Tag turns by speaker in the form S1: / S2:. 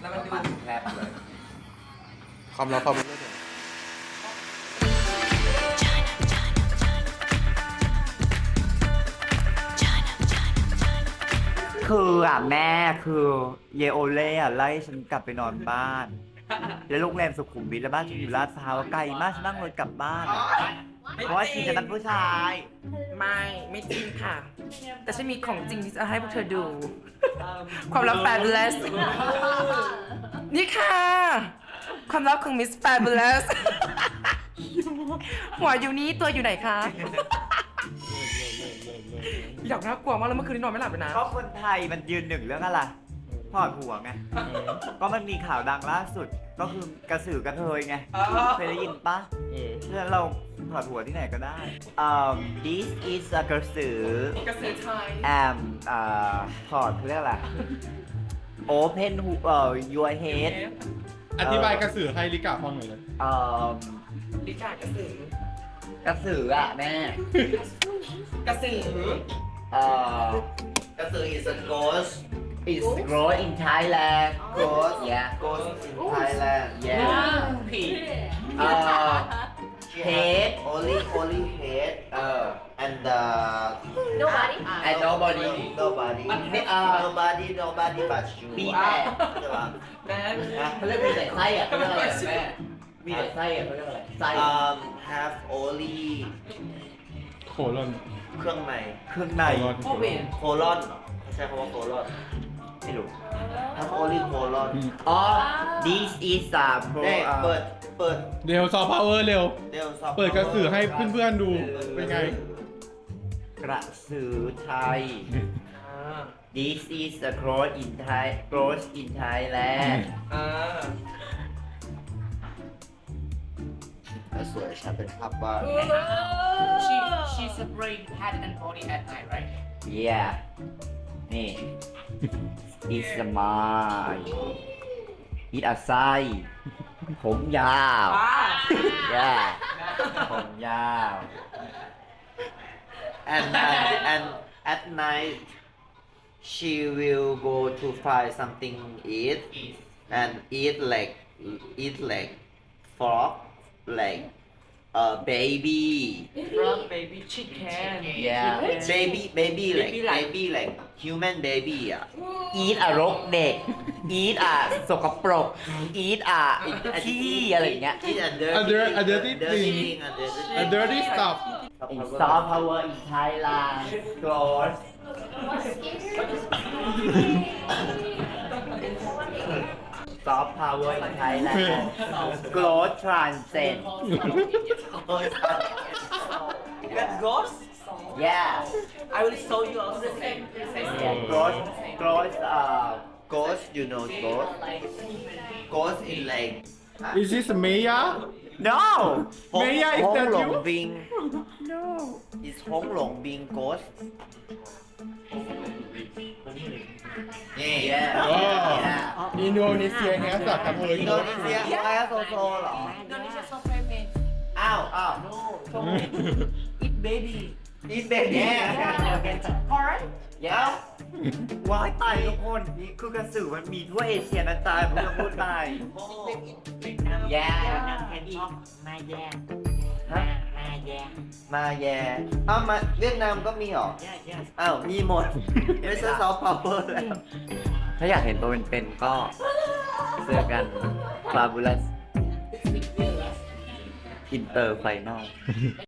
S1: แล้วมันดูแคบเลย
S2: ความรักความรู้เรื่อง
S3: คือแม่คือเยโอเล่ไล่ฉันกลับไปนอนบ้าน แล้วโรงแรมสุขุมวิทแล้วบ้านฉันอยู่ลาดพร้าวไกลมากฉันนั่งรถกลับบ้าน เพราะว่าชีจะนัดผู้ชาย
S4: ไม่จริงค่ะ แต่ฉันมีของจริงที่จะให้พวกเธอดู ความลับ Fabulous นี่ค่ะ ความลับของ Miss Fabulous หัวอยู่นี้ตัวอยู่ไหนคะอยากน่ากลัวมากแล้วเมื่อคืนนี้นอนไม่หลับเลยนะ
S3: ก็คนไทยมันยืนหนึ่งเรื่องอะไรถอดหัวไง ก็มันมีข่าวดังล่าสุด ก็คือกระสือกระเทยไง เคยได้ยินปะเพราะฉะนั้นเราถอดหัวที่ไหนก็ได้ this is a กระสือก
S4: ระสือไทย
S3: am ถอดเรียกอะไร open your head
S2: อธิบายกระสือให้ลิกาฟังหน่อยเลย
S4: ลิกากระสือก
S3: ระสือแม่
S4: กระสือ
S3: กระสือ is a ghost is grow in Thailand ghost yeah ghost in Thailand yeah
S4: ผี
S3: head only head and
S5: Nobody?
S3: and nobody nobody but you มีแต่ใช่ปะ
S4: แม่
S3: เขาเรียกมีแต่ไส้เขาเรียกอะไรแม่มีแต่ไส้เขาเรียกอะไรไส้ have only
S2: โคลอน
S3: เครื่องใน
S4: พวกเวร
S3: โคลอนเขาใช้คำว่าโคลอนไม่รู้ have only โคลอนอ๋อ this is a pro เปิด
S2: เร็วซอฟต์พาวเวอร์เร็ว
S3: เดี๋ยวสอบ
S2: เปิดกระสือให้เพื่อนๆดู เป็นไง
S3: กระสือไทย this is a cross in Thai cross in Thailand สวยฉันเป็นภาพวาด
S4: she separate head and body at night right
S3: yeah นี่ is a my is a ไส้ผมยาว yeah ผมยาว and at night she will go to find something eat and eat like frog like a baby
S4: frog baby chicken
S3: yeah baby like human baby eat รกเด็ก eat สกปรก eat ขี้อะไรอย่างเงี้ย eat
S2: a dirty thing a dirty stuff
S3: in soft power in Thailand close soft power in Thailand growth transcend
S1: That ghost
S3: yeah
S1: I will show you also
S3: yeah ghost you know ghost in like
S2: Is this Maya
S3: no
S2: Maya is that you
S3: หลงบิง no is หงหลงบิง ghost yeah
S2: อินโดนีเซียแฮสกระเทย
S3: อินโดนีเซียอะไรโซโซเหรอ
S4: Indonesia so famous
S3: อ้าว
S4: eat baby
S3: eat baby
S4: alright
S3: ย้าวว้ายตายทุกคนนี่คือกระสือมันมีทั่วเอเชียนะตายผมจะพูดตายแย่มาแย่อ้าวมาเวียดนามก็มีหรออ้าวมีหมดไม่ใช่ซอฟต์พาวเวอร์แล้วถ้าอยากเห็นตัวเป็นๆก็เจอกัน Fabulous Inter Final